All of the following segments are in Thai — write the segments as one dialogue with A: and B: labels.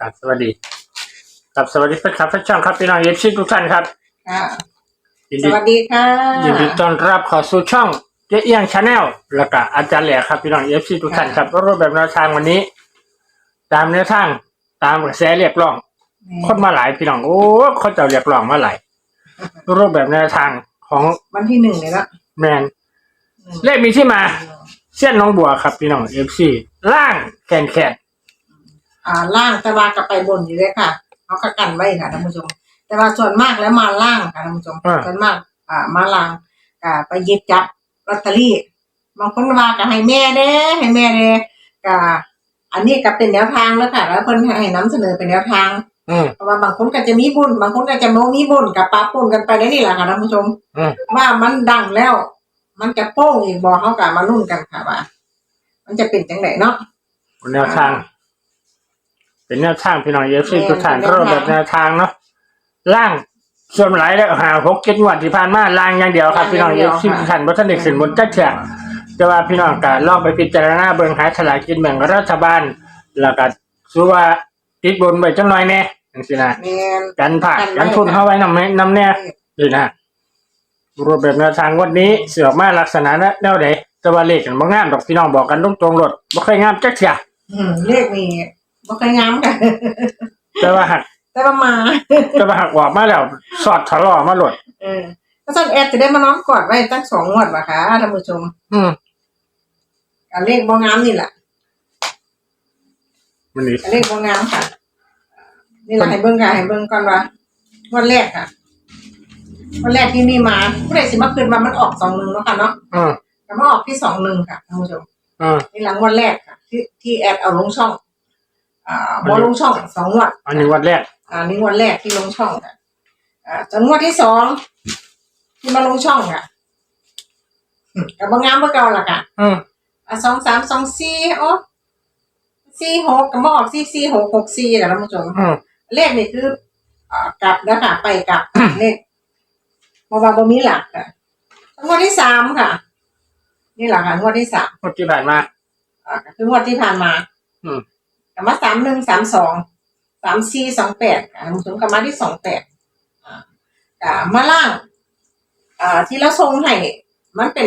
A: ครับสวัสดีครับสวัสดีครับท่านช่างครับพี่น้องเอฟซีทุกท่านครับ
B: สวัสดีค่ะ
A: ยินดีต้อนรับเข้าสู่ช่องเจ๊เอียงชาแนลแล้วก็อาจารย์แหล่ครับพี่น้องเอฟซีทุกท่านครับรูปแบบแนวทางวันนี้ ตามแนวทางตามกระแสเรียกร้องคนมาหลายพี่น้องโอ้เขาจะเรียกร้องมาหลายรูปแบบแนวทางของ
B: วันที่1เลยละ
A: แมนเลขมีที่มาเส้นน้องบัวครับพี่น้องเอฟซีล่างแขน
B: ล่างแต่ว่ากับไปบนอยู่เลยค่ะเขาก็กันไว้ค่ะท่านผู้ชมแต่ว่าส่วนมากแล้วมาล่างค่ะท่านผู้ชมส่วนมากมาล่างไปหยิบจับลอตเตอรี่บางคนว่าก็ให้แม่เด้ให้แม่เด้ก็อันนี้ก็เป็นแนวทางแล้วค่ะแล้วเพิ่นให้นำเสนอเป็นแนวทางเพราะว่าบางคนก็จะมีบุญบางคนก็จะบ่มีบุญกับปะปนกันไปได้นี่แหละค่ะท่านผู้ชมว่ามันดังแล้วมันจะโป้งอีกบ่เฮาก็มาลุ้นกันค่ะว่ามันจะเป็นจังไดเนาะ
A: แนวทางเป็นแนวทางพี่น้องเอฟซีทุกท่านรูปแบบแนวทางเนาะล่างส่วนหลายแล้วหา6-7 งวดที่ผ่านมาล่างอย่างเดียวครับพี่น้องเอฟซีทุกท่านบ่ทันได้ขึ้นบนจักเทื่อแต่ว่าพี่น้องก็ลองไปพิจารณาเบิ่งหาฉลากกินแบ่งรัฐบาลแล้วก็สู้ว่าติดบนไว้จังหน่อยแน่จังซี่นะกันผ่ากันทุนเฮาไว้นำแน่นี่นะรูปแบบแนวทางวันนี้เสือมาลักษณะแนวใดแต่ว่าเลขมันบ่งามดอกพี่น้องบอกกันตรงๆรถบ่ค่อยงามจักเทื่อ
B: เลขนี่บ่ค่อยงามกัน
A: แต่ว่าหักออกมาแล้วสอดถลอมาโลด
B: ก็ซั่นแอดจะได้มานอนกอดไว้ตั้ง2 งวดว่ะค่ะท่านผู้ชมเลขบ่งามนี่แหละ
A: มันนี่
B: เลขบ่งามค่ะนี่ล่ะให้เบิ่งค่ะให้เบิ่งก่อนว่างวดแรกค่ะงวดแรกที่นี่มาผู้ใดสิมาขึ้นว่ามันออก21เนาะค่ะเนาะก็มาออกที่21ค่ะท่านผู้ชมนี่หลังงวดแรกค่ะที่แอดเอาลงช่องบ่ลงช่อง2 งวด
A: อันนี้งวดแรก
B: นี่งวดแรกที่ลงช่องค่ะจนงวดที่2ที่มาลงช่องค่ะก็บ่งามบ่เก่าล่ะค่ะ2 3 2 4โอ้46ก็มาออก4 4 6 6 4ค่ะท่านผู้ชมเลขนี่คือกลับนะคะไปกลับเลขเพราะว่าบ่มีหลักค่ะงวดที่3ค่ะนี่ล่ะค่ะงวดที่3
A: งวดที่ผ่านมา
B: คืองวดที่ผ่านมาก็มา31 32 34 28ค่ะท่านผู้ชมก็มาที่28ก็มาล่างที่เราส่งให้มันเป็น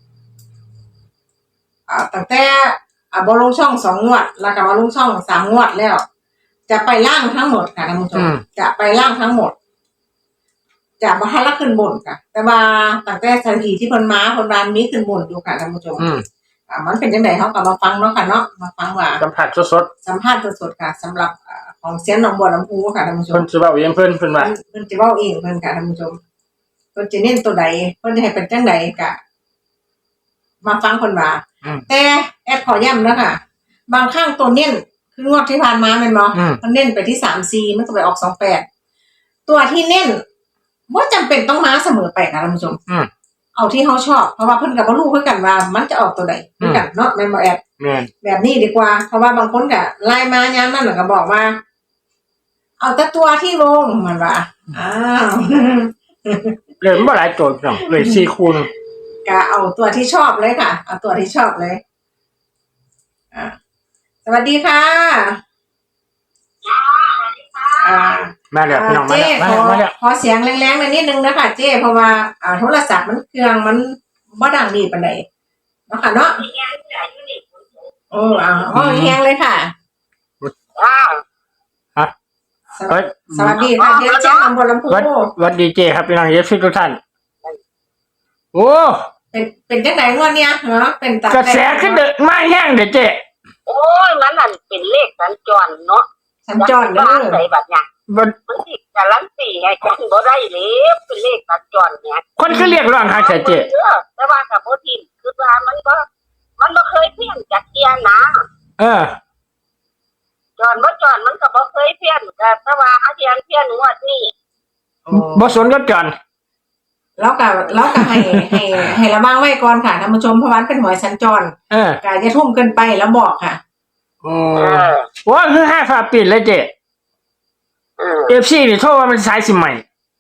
B: ตั้งแต่บ่ลงช่อง2 งวดแล้วก็มาลงช่อง3 งวดแล้วจะไปล่างทั้งหมดค่ะท่านผู้ชมจะไปล่างทั้งหมดจะบ่ทันละขึ้นบนค่ะแต่ว่าตั้งแต่ทันทีที่เพิ่นมาเพิ่นว่ามีขึ้นบนอยู่ค่ะท่านผู้ชมมันเป็นจังได๋เฮาก็มาฟังเนาะค่ะเนาะมาฟังว่า
A: สัมภาษณ์ส
B: ดๆค่ะสำหรับของเสียงหนองบัวลำพูค่ะท่านผู้ชม
A: เพิ่นสิเว้าเองเพิ่นว่า
B: เพิ่นสิเว้าเองเพิ่นค่ะท่านผู้ชมเพิ่นสิเน้นตัวใดเพิ่นสิให้เป็นจังได๋ก็มาฟังเพิ่นว่าแต่แอดขอย้ำนะค่ะบางครั้งตัวเน้นคืองวดที่ผ่านมาแม่นบ่เพิ่นเน้นไปที่34มันก็ไปออก28ตัวที่เน้นบ่จำเป็นต้องมาเสมอไปค่ะท่านผู้ชมเอาที่เฮาชอบเพราะว่าเพิ่นก็บ่รู้คือกันว่ามันจะออกตัวใดคือกันเนาะแม่นบ่แอดแบบนี้ดีกว่าเพราะว่าบางคนก็ไล่มายามนั้นก็บอกว่าเอาแต่ตัวที่ลงมันว่า
A: เลยบ่หลายตัวพี่น้องเลย4 คูณ
B: ก็เอาตัวที่ชอบเลยค่ะเอาตัวที่ชอบเลยสวัสดีค่ะ
A: มาแล้วพี่น้องมาแล้ว
B: ขอเสียงแรงๆหน่อยนิดนึงนะคะเจ้เพราะว่าโทรศัพท์มันเครื่องมันบ่ดังดีปานใดเนาะค่ะเนาะแฮงเลยค่ะสวัสดีค่ะเดี๋ยวแจ้งอำเภอลำพู
A: สวัสดีเจครับพี่น้องเอฟซีทุกท่านโอ้
B: เป็นจังได๋งวดเนี้ยเหรอเป็น
A: กระแสขึ้นเด้อมาแห้งเด้อเจ
C: โอ้ยมันนั่นเป็นเลขสัญจรเนาะ
B: สัญจรเด้อ
C: ใส่บัดเนี่ยมันสิการันตีให้จังบ่ได้เลยเป็นเลขสัญจรเนี่ย
A: คนคือเรียกร้องหาเจ
C: แต่ว่าก็บ่ทิ่มคือว่ามันบ่เคยเพี้ยนจักเที่ยนะจรบ่จรมันก็บ่เคยเพี้ยนก็แต่ว่าหาเที่ยนงวดนี้
A: บ่สนกับจร
B: แล้วก็ให้ระวังไว้ก่อนค่ะท่านผู้ชมเพราะว่าเป็นหวยสัญจรก็อย่าทุ่มเกินไปแล้วบอกค่ะ
A: ว่าคือ5 ฝาปิดเลยเจFC นี่โทรว่ามันสายสิใหม่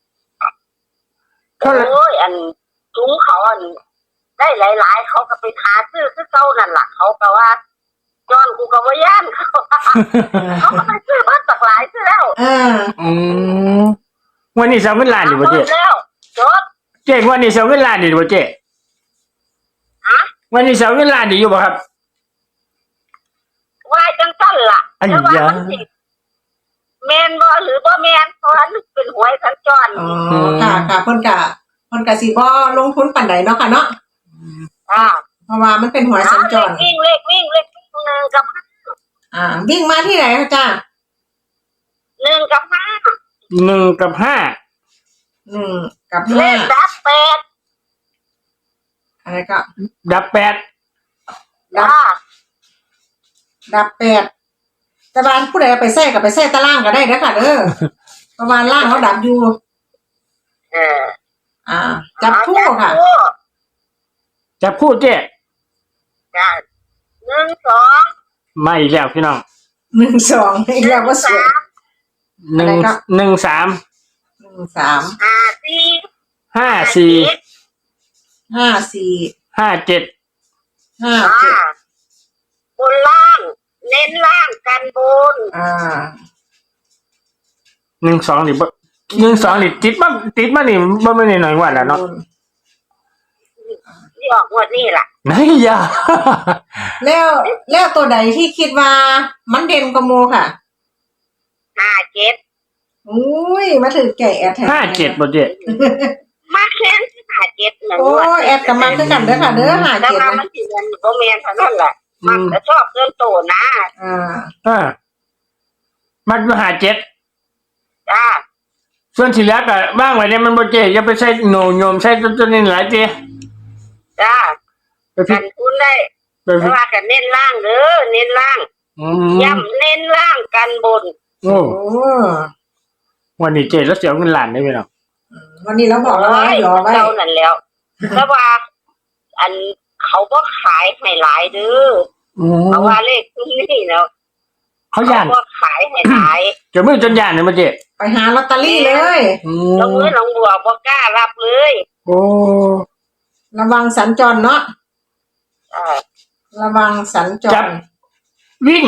C: โอ้ยอันจุ้งเขาอันได้หลายๆเขาก็ไปหาซื้อคือเก่านั่นล่ะเขาก็ว่าจอนกูก็บ่ย่านเขาก็ไปซื้อมาตะหลายซะแล้ว
A: อืมวันนี้เสาเงินล้านอยู่บ่เจ๊
C: แล้วจด
A: เจ๊วันนี้เสาเงินล้านอยู่บ่เจ๊
C: ฮะ
A: วันนี้เสาเงินล้านอยู่บ่ครับ
C: ว่าจังซั่นล่ะ
A: อัน
C: แต่ว่า
A: ยา
C: มันสิแม่นบ่หรือบ่แม่นเพราะว่ามันเป็นหวยสัญจร
B: อ๋อค่ะเพิ่นก็สิบ่ลงทุนปานใดเนาะค่ะเนาะ
C: อ่า
B: เพราะว่ามันเป็นหวยสัญจร
C: เลขวิ่งหนึ่งกับ
B: วิ่งมาที่ไหนคะจ้า
C: หนึ่งกับห้า
A: 1 กับ 5
B: กับ
C: เลขดับแปด
B: อะไรก็
A: ดับ
C: จ้า
B: ดับ8แต่บ้านผู้ใดเอาไปใส่ก็ไปใส่ตารางก็ได้เด้อค่ะเด้อประมาณล่างเขาดับอยู่
C: เออ
B: จับคู่ค่ะ
A: 8จับคู่เจ๊
C: จ้าหนึ่งสอง
A: มาอีกแล้วพี่น้อง
B: 1 2อีกแล้วก็สวย อะไรก็
A: 1 3
B: 1 3
C: 5 4
A: 5 4
B: 5 4
A: 5 7
B: 5 7
C: บนล่าง เน้นล่างกันบน
A: 1 2นี่บ่1 2นี่ติดมานี่บ่แม่นน้อยกว่าแล้วเนาะ
C: ที่ออกงวดนี่ล่ะ
A: ไหนยา
B: แล้วตัวใดที่คิดว่ามันเด่นกว่าหมู่ค่ะ
C: 57
B: อุ้ยมาถึงแก่แอดแท้
A: 57บ่เจ๊
C: มาแค่57หนึ่ง
B: โอ้ยแอดกับมาคือกันเด้อค่ะเด้อ
C: แต่ว่า
B: 57
C: มั
B: นะ
C: นสิเงินบ่แม่นเท่านั้นแหละมันจะชอบเกินโตนะ
A: มันอยู่57
C: จ้า
A: ส่วนที่เหลือก็ว่างไว้เนี่ยมันบ่เจ๊อย่าไปใช้โหนโยมใช้ตัวนี้หลายเจ๊
C: จ้า
A: ไปผิ
C: กั
A: ด
C: นคุณได้
A: ไป
C: แต่
A: ผิด
C: ว่ากันเน้นล่างเด้อเน้นล่าง ย้ำเน้นล่างกันบน
A: โอ้
B: โอ้
A: วันนี้เจ๊แล้วเสียเงินล้านได้ไหมเนาะ
B: วันนี้เราบอกแล้วว่าหยอไว้
C: เรานั่นแล้วแต่ว่าอันเขาก็ขายให้หลายเด้อเพราะว่าเลขที่นี่เนาะ
A: เขาย่าน
C: ก็ขายให้หลาย
A: จะมือจนย่านเลยมาเจ๊
B: ไปหาลอตเตอรี่เลย
C: ลงมือลงบัวบ่กล้ารับเลย
A: โอ้
B: ระวังสัญจรเนาะ
C: อ่า
B: ระวังสัญจร
A: วิ่ง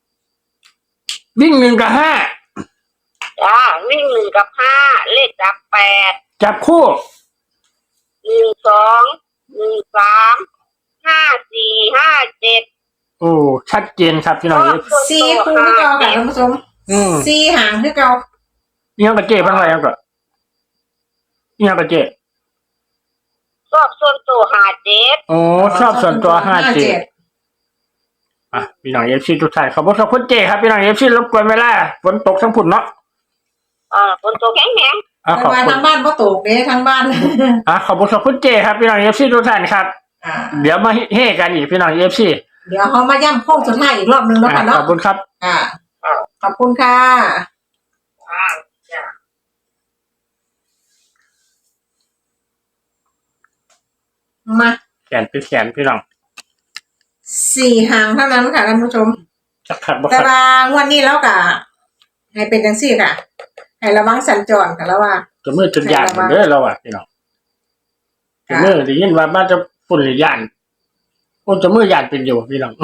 A: 1 กับ
C: จ้าวิ่งหนึ่งกับห้าเลขดับ
A: 5
C: 8
A: จับคู่
C: 1 2 1 3 5 4 5 7
A: โอ้ชัดเจนครับพี่น้อง
B: 4คู่คือเก่าค่ะท่านผู้ชม4หางคือเก่า
A: ยังกับเจ๊พันไรยังกับยังกับเจ๊
C: ชอบส่วนตัว57
A: โอ้ชอบส่วนตัว57พี่น้องเอฟซีทุกท่านขอบคุณครับคุณเจ๊ครับพี่น้องเอฟซีรบกวนเวลาฝนตกทั้งพุ่นเนาะ
C: คนตัวแข็ง
A: ขอบ
B: แต่ว่า
A: คุณ
B: ทางบ้านบ่ตกเด้ทางบ้าน
A: ขอบคุณครับคุณเจ๊ครับพี่น้องเอฟซีทุกท่านครับเดี๋ยวมาเฮกันอีกพี่น้องเอฟซี
B: เดี๋ยวเขามาย่ำโค้งสุดท้ายอีกรอบนึงแล้วกัน
A: ข
B: เนาะ
A: อบคุณครับ
B: ขอบคุณค่ะ
C: จ้า
B: มา
A: แขนเป็นแขนพี่น้อง
B: 4หางเท่านั้นค่ะท่านผู้ชม
A: จักขัดบ่
B: แต่
A: ขัด
B: ว่างวดนี้แล้วก็ให้เป็นจังซี่ค่ะ ให้ระวังสัญจรกันแล้วว่า
A: จะมือจนย่านเหมือนเด้อเราอ่ะพี่น้องจะมือได้ยินว่าบ้านจะฝุ่นหรือย่านโอ้จะมือย่านเป็นอยู่พี่น้อง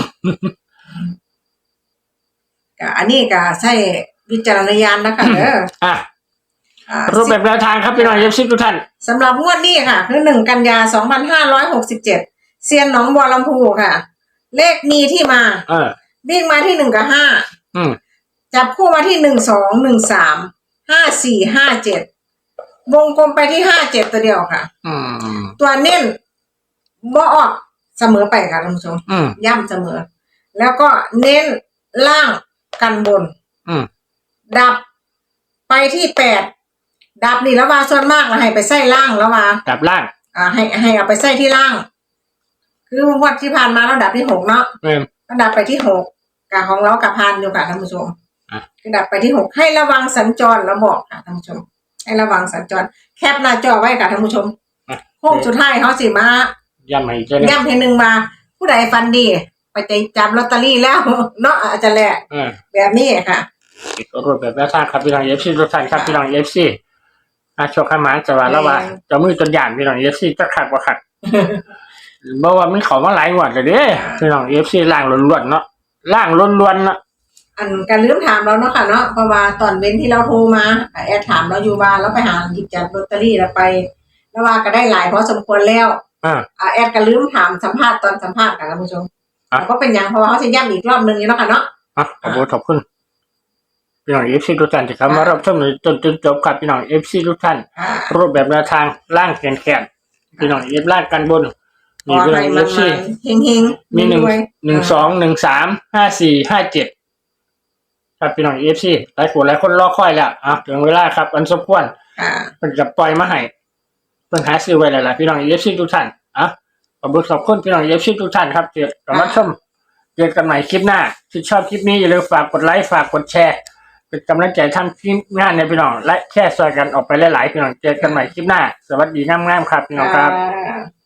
B: ก็อันนี้ก็ใช้วิจารณญาณนะคะเด้อ
A: รูปแบบแนวทางครับพี่น้องเอฟซีทุกท่าน
B: สำหรับงวดนี้ค่ะ คือ1 กันยา 2567เซียนหนองบัวลำพูค่ะ เลขมีที่มาวิ่งมาที่1กับ5จับคู่มาที่1 2 1 3 5 4 5 7วงกลมไปที่57ตัวเดียวค่ะตัวเน้นบ่ออกเสมอไปค่ะท่านผู้ชมย่ำเสมอ แล้วก็เน้นล่างกันบนดับไปที่8ดับนี่แล้วว่าส่วนมากเราให้ไปใส่ล่างแล้วว่า
A: ดับล่าง
B: ให้เอาไปใส่ที่ล่าง คืองวดที่ผ่านมาเราดับที่6เนาะก็ดับไปที่6กับของเรากับพานอยู่ค่ะท่านผู้ชมก็ดับไปที่6ให้ระวังสัญจรแล้วบอกค่ะท่านผู้ชมให้ระวังสัญจรแคปหน้าจอไว้ค่ะท่านผู้ชมโค้งสุดท้ายเขาสิมา
A: ย้ำให้เจ้าเนี่ย
B: ย้ำให้หนึ่งมา ผู้ใดฟันดีไปจับลอตเตอรี่แล้วเนาะอาจจะแหละแบบนี้ค่ะ
A: รูปแบบแนวทางครับพี่น้องเอฟซีทุกท่านครับพี่น้องเอฟซีโชคขมานจะว่าแล้วว่าจะมือจนย่านพี่น้องเอฟซีจะขัดบ่ขัดเพราะว่ามันเขามาหลายงวดเลยเด้พี่น้องเอฟซีล่างล้วนๆเนาะล่างล้วนๆเนาะ
B: อันการลืมถามเราเนาะค่ะเนาะเพราะว่าตอนเว้นที่เราโทรมาแอดถามเราอยู่บ้านแล้วไปหาหยิบจับลอตเตอรี่แล้วไปแล้วว่าก็ได้หลายพอสมควรแล้วแอดก็ลืมถามสัมภาษณ์ตอนสัมภาษณ์ค่ะท่านผู้ชมแล้วก็เป็นอย่างเพราะว่าเขาจะย้ำอีกรอบนึงอยู่เนาะค่ะเนาะ
A: ขอบคุณพี่น้องFC ทุกท่านที่เข้ามารับชมจนจบครับพี่น้อง FC ทุกท่านรูปแบบแนวทางล่างแขนพี่น้องเอฟล่างกันบนมีพี่น้อง FC
B: เฮงๆ
A: มี1 2 1 3 5 4 5 7ครับพี่น้อง FC หลายคนรอคอยแล้วถึงเวลาครับอันสมควรเป็นจะปล่อยมาให้เป็นหาซื้อไว้แล้วล่ะพี่น้อง FC ทุกท่านขอบคุณพี่น้อง FC ทุกท่านครับเจอกันใหม่คลิปหน้าที่ชอบคลิปนี้อย่าลืมฝากกดไลค์ฝากกดแชร์เป็นกำลังใจทำคลิปงานในพี่น้องและแชร์ซอยกันออกไปหลายๆพี่น้องเจอกันใหม่คลิปหน้าสวัสดีงามๆครับพี่น้องครับ